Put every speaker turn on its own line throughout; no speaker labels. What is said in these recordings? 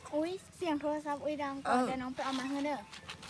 อุ้ยเสียงโทรศัพท์อุ้ยดังก่อนเดี๋ยวน้องไปเอามาให้เด้อ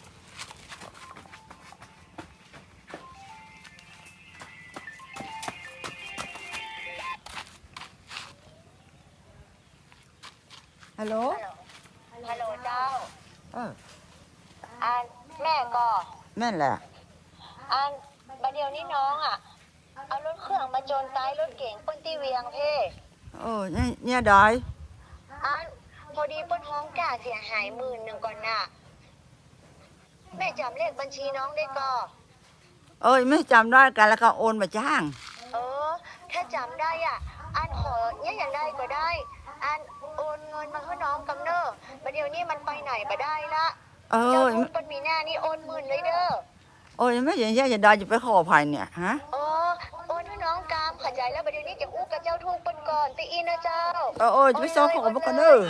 ฮัลโหล
ฮัลโหลเจ้า
อัน
แม่ก็
แม่นแหละ
บัดเดียวนี้น้องอ่ะเอารถเครื่องมาโจรตายรถเก๋งเปิ้นที่เวียงเพ่
เนี่ยได้
พอดีเปิ้นห้องกล้าเสียหาย10,000ก่อนน่ะแม่จำเลขบัญชีน้องได้ก็
ไม่จำได้กันแล้วก็โอนมาจ้าง
ถ้าจำได้อ่ะขอเนี่ยอย่างได้ก็ได้โอนเงินมาให้น้องกำเนอบัดเดียวนี้มันไปไหนบ่ได้ละเจ้าทุกคนมีหน้านี่โอน10,000เลยเด้อ
ไม่อย่างนี้จะได้จะไปขอภัยเนี่ยฮะ
โอนให้น้องกามขัดใจแล้วบัดเดี๋ยวนี้จะอู้กับเจ้าทุกคนก่อนตีอินนะเจ้า
จะไปซ้อมขอมาก่อนเด้อ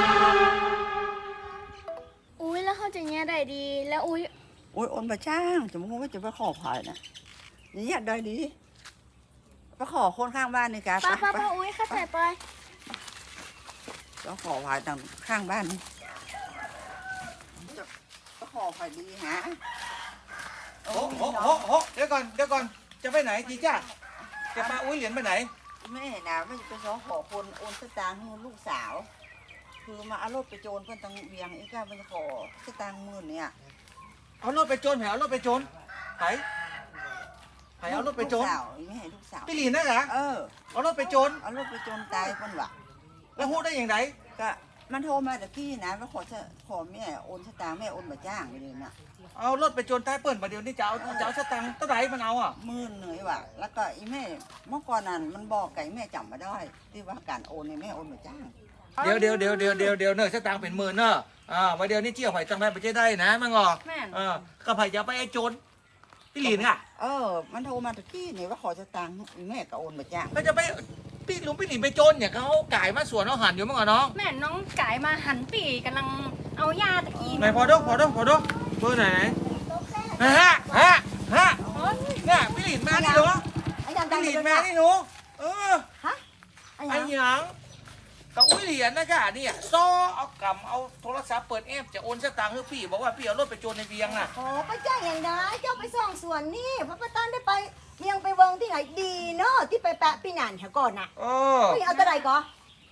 อุ้ยแล้วเขาจะแง่ได้ดีแล้วอุ้ย
โอนมาจ้างจะมึงว่าจะไปขอภัยนะอย่างนี้ได้ดีไปขอคนข้างบ้านนี่กัน
ป้าอุ้ยเข้าใจไป
จะขอภัยทางข้างบ้านจะไปขอภัยดีฮะ
เดี๋ยวก่อนจะไปไหนจีจ้าจะมาอุ้ยเหรียญไปไหน
แม่นะไม่จะไปซ้อขอคนโอนสตางค์ให้ลูกสาวคือมาเอารถไปโจรเพื่อนตังเวียงอีกมันขอสตางค์10,000เนี่ย
เอารถไปโจรเอารถไปโจรไผ่เอารถไปโจร
ไม่ให้ลูกสาว
พี่หลีนนะเหรอเอารถไปโจร
ตายคนวะ
แล้วพูดได้อย่างไร
ก็มันโทรมาตะกี้นะว่าขอแม่โอนสตางค์แม่โอนมาจ้างเลยนะ
เอารถไปโจรใต้เปิ่นมาเดี๋ยวนี้จะเอาสตางค์เท่าไหร่มันเอา
10,000เหนื่อยว่ะแล้วก็อีแม่เมื่อก่อนนั้นมันบอกไก่แม่จำมาได้ที่ว่าการโอนในแม่โอนมาจ้าง
เดี๋ยวเนอะสตางค์เป็น10,000เนอะมาเดี๋ยวนี้เจียวไผ่ตังได้ไปได้นะมังงก็ไผ่จะไปไอ้โจรพี่หลีนอ่ะ
มันโทรมาตะกี้นี่ว่าขอสตางค์แม่ก็โอนมาจ้าง
ก็จะไปพี่หลีนไปโจรเนี่ยเขาไก่มาสวนเอาหันอยู่มั้งน้อง
แม่น้องไก่มาหันปีกำลังเอายาตะกี้
ไหนพอดเบอร์ไหนฮะเนี่ยพี่หลีนมานี่หนูพี่หลีนมานี่หนูไอ้หยังกับอุ้ยเหรียญนะค่ะเนี่ยซ้อเอากำเอาโทรศัพท์เปิดแอปจะโอนสตางค์ให้พี่บอกว่าพี่เอารถไปโจรในเวียงน่ะ
ไปจ้างอย่างไรเจ้าไปส่องสวนนี่พระประธานได้ไปเวียงไปเวิงที่ไหนดีเนาะที่ไปแปะปีนันแถวก่อนน่ะพี่เอาตัวใดก่อน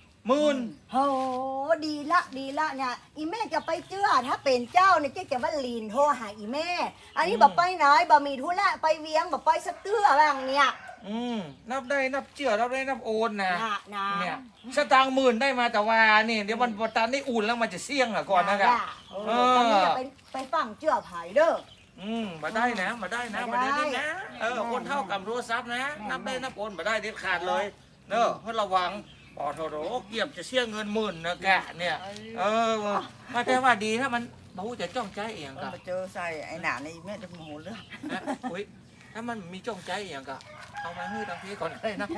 10,000
โหดีละเนี่ยอีแม่จะไปเจื้อถ้าเป็นเจ้าเนี่ยเจ๊จะว่าลีนโทรหาอีแม่อันนี้บอกไปไหนบ่มีธุระไปเวียงบอกไปสักเตื้ออะไรอย่างเนี้ย
นับได้นับเจือนับได้นับโอนนะเนี่ยสตางค์10,000ได้มาแต่ว่านี่เดี๋ยววันประธานได้อุ่นแล้วมันจะเสี่ยงอ่ะก่อนนะครับ
ตอนนี้จะไปฟังเจื้อไผ่เด้อ
มาได้นะมาได้นะคนเท่ากับโทรศัพท์นะนับได้นับโอนมาได้เด็ดขาดเลยเนอะให้ระวังปอโทโรเกี่ยมจะเสี่ยงเงิน10,000นะแกเนี่ยมาแต่ว่าดีถ้ามันบ่จะจ้องใจเองก็
มาเจอใส่ไอ้หนาในแม่จะโมโหเรื่อง
อุ้ยถ้ามันมีจ้องใจเองก็เอามาให้ทางพี่ก่อนได้นะ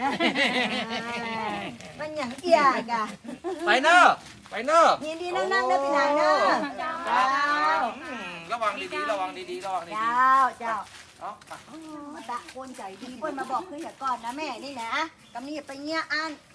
มันอย่างเอียกะ
ไปเนอะ
ยินดีนั่งเด้อพี่นายเนอะ
ระวังดีๆ
เจ้ามาตะคนใจดีเปิ้ลมาบอกคืออย่าก่อนนะแม่นี่นะกำนี้ไปเงี้ยอัน